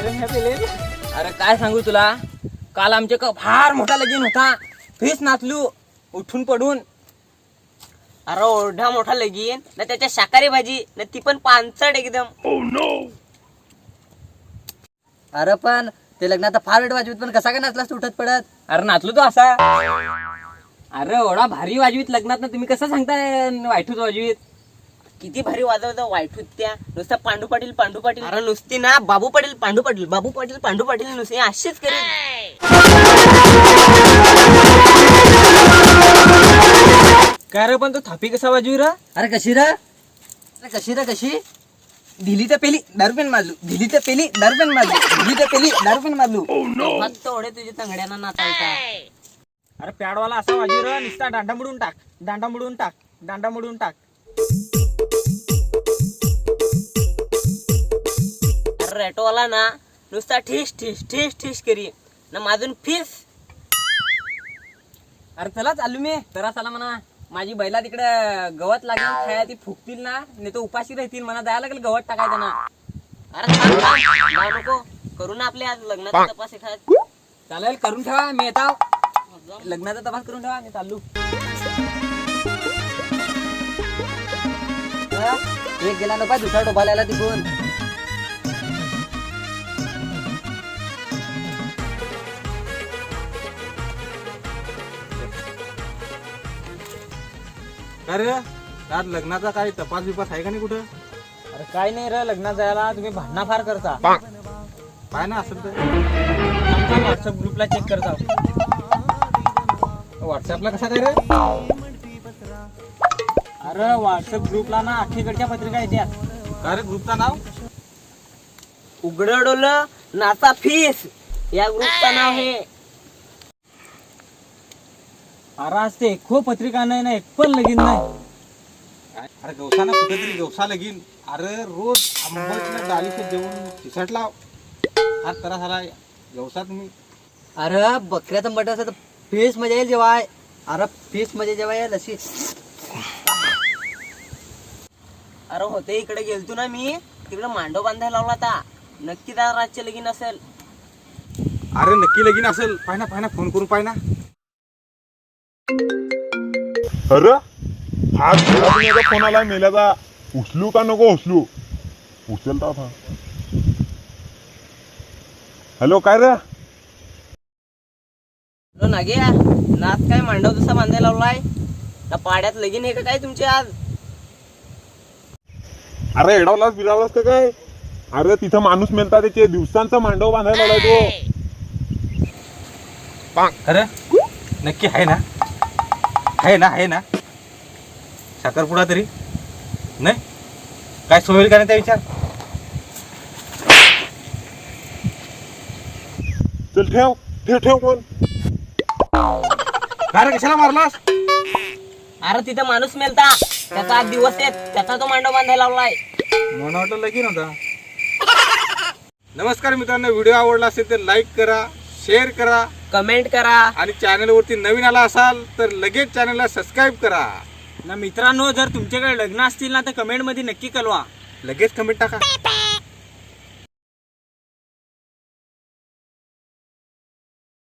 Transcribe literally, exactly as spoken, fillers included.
अरे काय सांगू तुला, काल आमच्या का फार मोठा लगीन होता. फेस नाचलू उठून पडून. अरे ओढा मोठा लगीन ना, त्याच्या शाकाहारी भाजी ना, ती पण पानसट एकदम. अरे पण ते लग्नात फार वेळ वाजवीत, पण कसा काय नाचलास तू उठत पडत? अरे नाचलो तो असा. अरे एवढा भारी वाजवीत लग्नात ना, तुम्ही कसं सांगताय वाईटूच वाजवीत? किती भारी वाजवतो वाईटूत त्या. नुसतं पांडू पाटील पांडू पाटील. अरे नुसती ना बाबू पाटील पांडू पाटील बाबू पाटील पांडू पाटील नुसते अशीच करेल. काय रे पण तो थापी कसा वाजवी रा? अरे कशी रा अरे कशी रा कशी दिली तर पेली दारूपेन मारलू, दिली तर पेली दारूपेन मारलू, दिली तर पेली दारूपेन मारलू. फक्त ओढे तुझ्या तंगड्यांना नाचायचा. अरे पॅडवाला असा वाजवी रा, नुसता दांडा मोडून टाक, दांडा मोडून टाक, दांडा मोडून टाक. अरे रेटोवाला ना नुसता ठिस ठिस ठिस ठिस करी ना, माझून फीस. अरे चला चालू मी जरा चला म्हणा. माझी बैला तिकडे गवत लागेल खाया, ती फुकतील ना, नाही तर उपाशी राहतील. म्हणा जायला लागेल गवत टाकायचं ना. अरे थांब, थांब, जाऊ नको. करू ना आपले आज लग्नाचा तपास एखाद. चालेल करून ठेवा, मी येतो. लग्नाचा तपास करून ठेवा, मी चालू. एक गेला नको दुसरा डोबाला तिकून. अरे आज लग्नाचा काही तपास बिपास आहे का नाही कुठं? अरे काय नाही रे, लग्नात जायला तुम्ही भांडणा फार करता. काय ना असेल तर व्हॉट्सअप ग्रुपला चेक करता. व्हॉट्सअपला कसा काय रे? अरे व्हॉट्सअप ग्रुपला ना अख्खीकडच्या पत्रिका येतात. काय रे ग्रुपचं नाव? उघडं डोलं नाचा फीस या ग्रुपचं नाव आहे. अरे आज ते एक पत्रिका नाही ना, एक पण लगीन नाही. अरे गवसा ना कुठेतरी गवसा लगीन. अरे रोज आंबट डालीचं जेवण खिसाट लाव. हा तरा झाला गवसा तुम्ही. अरे बकऱ्याचं मटण असं तर फेस मजा येईल जेव्हा. अरे फेस मजा जेव्हा येईल अशी. अरे होते इकडे गेलतो ना मी, तिकडे मांडव बांधायला लावला होता. नक्की त्या रातचे लगीन असेल. अरे नक्की लगीन असेल. पाय ना पाय ना फोन करून पाय ना. अरे हा तुझ्या फोन आला मेल्याचा. उचलू का नको उचलू? उचलता था. हॅलो काय रे? नाग्या नाच काय मांडव तसा बांधायला लावलाय ना, पाड्यात लगीन आहे का काय तुमचे आज? अरे एडावलास बिरावलास का काय? अरे तिथं माणूस मेलता, त्याचे दिवसांचा मांडव बांधायला लावलाय तो. अरे नक्की आहे ना? आहे ना आहे ना साखरपुडा तरी नाही काय सोयील का नाही त्या विचार. चल ठेव ठेव ठेव फोन. अरे कशाला मारलास? अरे तिथं माणूस मेलता, त्याचा आज दिवस आहे, त्याचा तो मांडव बांधायला लावलाय. मला वाटलं लगीन होता. नमस्कार मित्रांनो, व्हिडिओ आवडला असेल तर लाईक करा, शेअर करा, कमेंट करा आणि चॅनलवरती नवीन आला असाल तर लगेच चॅनलला सबस्क्राईब करा. ना मित्रांनो, जर तुमच्याकडे लग्न असतील ना तर कमेंट मध्ये नक्की कळवा. लगेच कमेंट टाका.